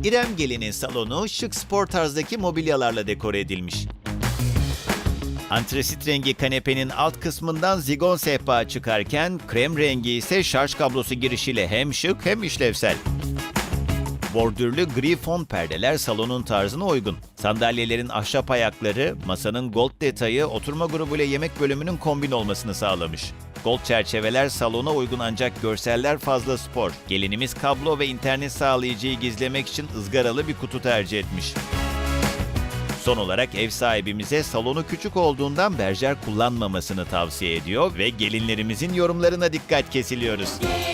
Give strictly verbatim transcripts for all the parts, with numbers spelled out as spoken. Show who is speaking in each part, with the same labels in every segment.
Speaker 1: İrem Gelin'in salonu şık spor tarzdaki mobilyalarla dekore edilmiş. Antresit rengi kanepenin alt kısmından zigon sehpa çıkarken krem rengi ise şarj kablosu girişiyle hem şık hem işlevsel. Bordürlü gri fon perdeler salonun tarzına uygun. Sandalyelerin ahşap ayakları, masanın gold detayı oturma grubuyla yemek bölümünün kombin olmasını sağlamış. Gold çerçeveler salona uygun ancak görseller fazla spor. Gelinimiz kablo ve internet sağlayıcıyı gizlemek için ızgaralı bir kutu tercih etmiş. Son olarak ev sahibimize salonu küçük olduğundan berjer kullanmamasını tavsiye ediyor ve gelinlerimizin yorumlarına dikkat kesiliyoruz.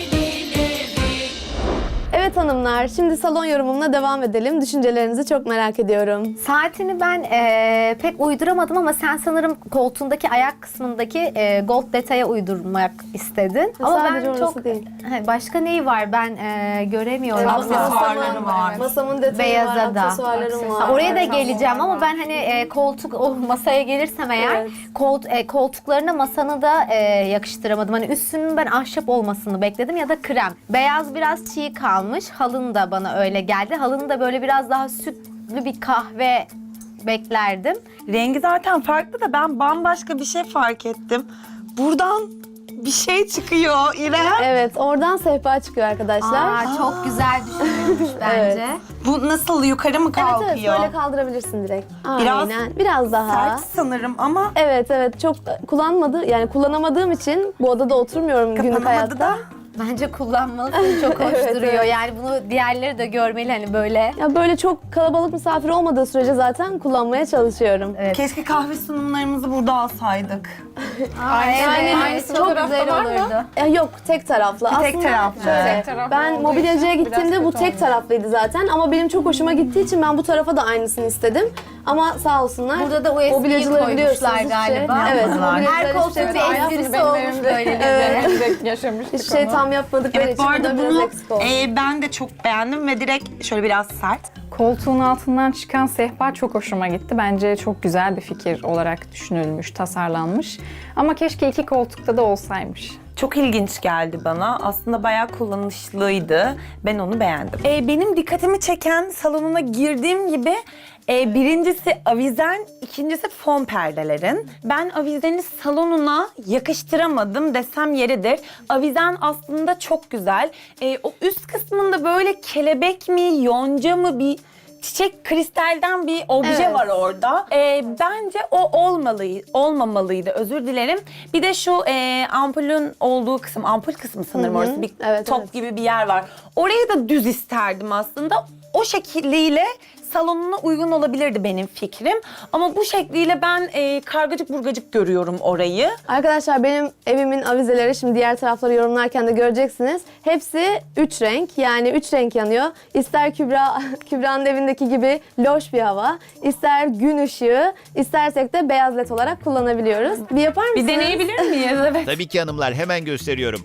Speaker 2: Evet hanımlar, şimdi salon yorumumla devam edelim. Düşüncelerinizi çok merak ediyorum.
Speaker 3: Saatini ben e, pek uyduramadım ama sen sanırım koltuğundaki ayak kısmındaki e, gold detaya uydurmak istedin. Ama
Speaker 2: Sadece
Speaker 3: ben
Speaker 2: orası
Speaker 3: çok
Speaker 2: değil.
Speaker 3: He, başka neyi var ben e, göremiyorum.
Speaker 2: Aksesuarları var. Masamın detayı
Speaker 3: Beyaza
Speaker 2: var,
Speaker 3: da.
Speaker 2: aksesuarlarım var.
Speaker 3: Ha, oraya da geleceğim ama ben hani e, koltuk o masaya gelirsem eğer
Speaker 2: Evet.
Speaker 3: kolt, e, koltuklarına masanı da e, yakıştıramadım. Hani üstünün ben ahşap olmasını bekledim ya da krem. Beyaz biraz çiğ kalmış. Halın da bana öyle geldi. Halının da böyle biraz daha sütlü bir kahve beklerdim.
Speaker 4: Rengi zaten farklı da ben bambaşka bir şey fark ettim. Buradan bir şey çıkıyor İrem.
Speaker 2: Evet, oradan sehpa çıkıyor arkadaşlar.
Speaker 3: Aa, çok güzel düşünülmüş bence.
Speaker 4: Bu nasıl yukarı mı
Speaker 2: Evet
Speaker 4: kalkıyor?
Speaker 2: evet, böyle kaldırabilirsin direkt.
Speaker 4: Biraz
Speaker 2: Aynen, biraz daha.
Speaker 4: Sert sanırım ama
Speaker 2: Evet evet, çok kullanmadı yani kullanamadığım için bu odada oturmuyorum günlük
Speaker 4: kapanamadı
Speaker 2: hayatta.
Speaker 4: da.
Speaker 3: Bence kullanmalısın. Çok hoş
Speaker 2: Evet,
Speaker 3: duruyor.
Speaker 2: evet.
Speaker 3: Yani bunu diğerleri de görmeli hani böyle.
Speaker 2: Ya böyle çok kalabalık misafir olmadığı sürece zaten kullanmaya çalışıyorum.
Speaker 3: Evet.
Speaker 4: Keşke kahve sunumlarımızı burada alsaydık.
Speaker 3: Aa, evet.
Speaker 2: Yani
Speaker 3: Aynısı
Speaker 2: çok
Speaker 3: çok güzel olurdu.
Speaker 2: Ya yok, tek taraflı.
Speaker 4: tek
Speaker 2: Aslında
Speaker 4: taraflı.
Speaker 2: şöyle,
Speaker 4: Tek
Speaker 5: taraflı
Speaker 2: ben
Speaker 5: olduğu
Speaker 2: mobilyacıya
Speaker 5: için
Speaker 2: gittiğimde
Speaker 5: biraz
Speaker 2: bu
Speaker 5: kötü
Speaker 2: tek
Speaker 5: olmuş.
Speaker 2: taraflıydı zaten ama benim çok hoşuma gittiği için ben bu tarafa da aynısını istedim. Ama sağ olsunlar.
Speaker 3: Burada da U S B'yi
Speaker 2: mobilyacıları biliyorsunuz
Speaker 3: koymuşlar
Speaker 2: hiçbir şey-
Speaker 3: galiba.
Speaker 2: Evet,
Speaker 4: Yapmadılar.
Speaker 2: mobilyacılar
Speaker 3: Her
Speaker 2: hiçbir
Speaker 3: koltuk
Speaker 2: şey
Speaker 3: bir
Speaker 2: tam
Speaker 3: esprisi
Speaker 5: Aynısını benim
Speaker 3: olmuş
Speaker 5: evimde
Speaker 3: böyle.
Speaker 2: Evet.
Speaker 5: direkt yaşamıştık
Speaker 2: Hiçbir şey
Speaker 5: onu.
Speaker 2: tam yapmadıkları
Speaker 4: Evet bu
Speaker 2: için
Speaker 4: arada
Speaker 2: burada biraz
Speaker 4: bunu
Speaker 2: eksik oldu.
Speaker 4: e, ben de çok beğendim ve direkt şöyle biraz sert.
Speaker 5: Koltuğun altından çıkan sehpa çok hoşuma gitti. Bence çok güzel bir fikir olarak düşünülmüş, tasarlanmış. Ama keşke iki koltukta da olsaymış.
Speaker 6: Çok ilginç geldi bana. Aslında bayağı kullanışlıydı. Ben onu beğendim. Ee, benim dikkatimi çeken salonuna girdiğim gibi e, birincisi avizen, ikincisi fon perdelerin. Ben avizeni salonuna yakıştıramadım desem yeridir. Avizen aslında çok güzel. E, o üst kısmında böyle kelebek mi, yonca mı bir çiçek kristalden bir obje
Speaker 2: Evet.
Speaker 6: var orada. Ee, bence o olmalı, olmamalıydı. Özür dilerim. Bir de şu e, ampulün olduğu kısım, ampul kısmı sanırım
Speaker 2: Hı hı.
Speaker 6: orası bir
Speaker 2: Evet,
Speaker 6: top
Speaker 2: evet.
Speaker 6: gibi bir yer var. Orayı da düz isterdim aslında. O şekliyle salonuna uygun olabilirdi benim fikrim. Ama bu şekliyle ben e, kargacık burgacık görüyorum orayı.
Speaker 2: Arkadaşlar benim evimin avizeleri şimdi diğer tarafları yorumlarken de göreceksiniz. Hepsi üç renk, yani üç renk yanıyor. İster Kübra Kübra'nın evindeki gibi loş bir hava, ister gün ışığı, istersek de beyaz led olarak kullanabiliyoruz. Bir yapar mısınız?
Speaker 6: Bir deneyebilir miyiz? Evet.
Speaker 1: Tabii ki hanımlar, hemen gösteriyorum.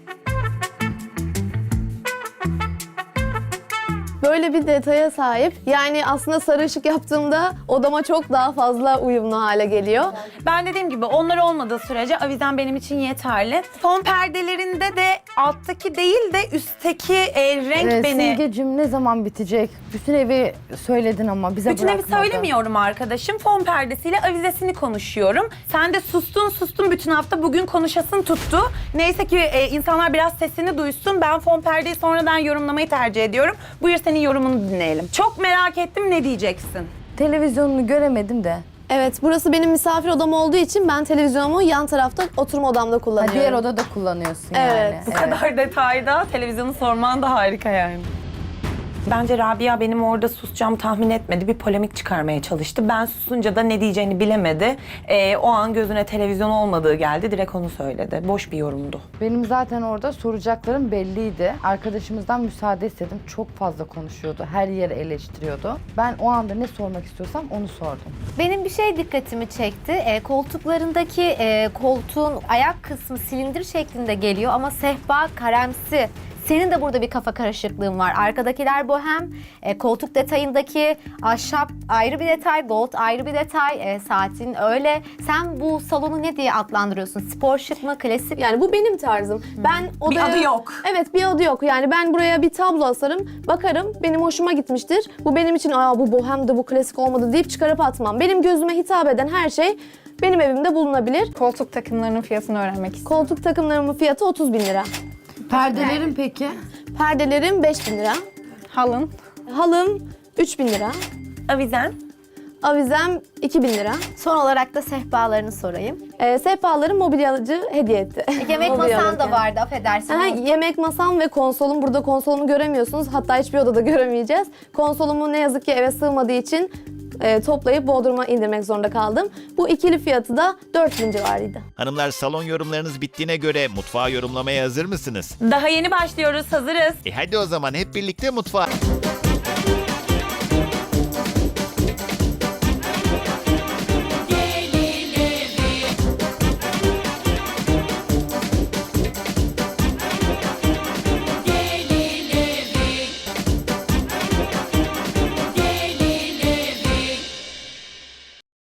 Speaker 2: Böyle bir detaya sahip. Yani aslında sarı ışık yaptığımda odama çok daha fazla uyumlu hale geliyor.
Speaker 6: Ben dediğim gibi onlar olmadığı sürece avizen benim için yeterli. Fon perdelerinde de alttaki değil de üstteki e, renk
Speaker 7: Ee,
Speaker 6: beni...
Speaker 7: Simgeciğim ne zaman bitecek? Bütün evi söyledin ama bize
Speaker 6: Bütün evi
Speaker 7: bırakmadın.
Speaker 6: söylemiyorum arkadaşım. Fon perdesiyle avizesini konuşuyorum. Sen de sustun sustun bütün hafta, bugün konuşasın tuttu. Neyse ki e, insanlar biraz sesini duysun. Ben fon perdeyi sonradan yorumlamayı tercih ediyorum. Buyur senin yorumunu dinleyelim. Çok merak ettim, ne diyeceksin?
Speaker 7: Televizyonunu göremedim de.
Speaker 2: Evet, burası benim misafir odam olduğu için ben televizyonumu yan tarafta oturma odamda
Speaker 7: Ha,
Speaker 2: kullanıyorum.
Speaker 7: diğer odada kullanıyorsun
Speaker 2: Evet.
Speaker 7: yani.
Speaker 6: Bu kadar detayda televizyonu sorman da harika yani. Bence Rabia benim orada susacağımı tahmin etmedi. Bir polemik çıkarmaya çalıştı. Ben susunca da ne diyeceğini bilemedi. Ee, o an gözüne televizyon olmadığı geldi. Direkt onu söyledi. Boş bir yorumdu.
Speaker 7: Benim zaten orada soracaklarım belliydi. Arkadaşımızdan müsaade istedim. Çok fazla konuşuyordu. Her yeri eleştiriyordu. Ben o anda ne sormak istiyorsam onu sordum.
Speaker 3: Benim bir şey dikkatimi çekti. E, koltuklarındaki e, koltuğun ayak kısmı silindir şeklinde geliyor ama sehpa karemsi Senin de burada bir kafa karışıklığın var. Arkadakiler bohem, e, koltuk detayındaki ahşap ayrı bir detay, gold ayrı bir detay, e, saatin öyle. Sen bu salonu ne diye adlandırıyorsun? Spor şık mı, klasik?
Speaker 2: Yani bu benim tarzım. Ben odaya...
Speaker 6: adı yok.
Speaker 2: Evet, bir adı yok. Yani ben buraya bir tablo asarım, bakarım, benim hoşuma gitmiştir. Bu benim için aa bu bohemdi, bu klasik olmadı deyip çıkarıp atmam. Benim gözüme hitap eden her şey benim evimde bulunabilir.
Speaker 5: Koltuk takımlarının fiyatını öğrenmek istiyorum.
Speaker 2: Koltuk takımlarımın fiyatı otuz bin lira.
Speaker 7: Perdelerin peki?
Speaker 2: Perdelerim beş bin lira.
Speaker 5: Halın.
Speaker 2: Halım üç bin lira.
Speaker 6: Avizen.
Speaker 2: Avizem iki bin lira.
Speaker 3: Son olarak da sehpalarını sorayım.
Speaker 2: Ee, sehpalarım mobilyacı hediye etti.
Speaker 3: Yemek
Speaker 2: Mobilya
Speaker 3: masan da
Speaker 2: alırken.
Speaker 3: vardı, affedersin.
Speaker 2: Aha, yemek masam ve konsolum. Burada konsolumu göremiyorsunuz. Hatta hiçbir odada göremeyeceğiz. Konsolumu ne yazık ki eve sığmadığı için e, toplayıp Bodrum'a indirmek zorunda kaldım. Bu ikili fiyatı da dört bin civarıydı.
Speaker 1: Hanımlar, salon yorumlarınız bittiğine göre mutfağı yorumlamaya hazır mısınız?
Speaker 6: Daha yeni başlıyoruz, hazırız.
Speaker 1: E hadi o zaman hep birlikte mutfağa.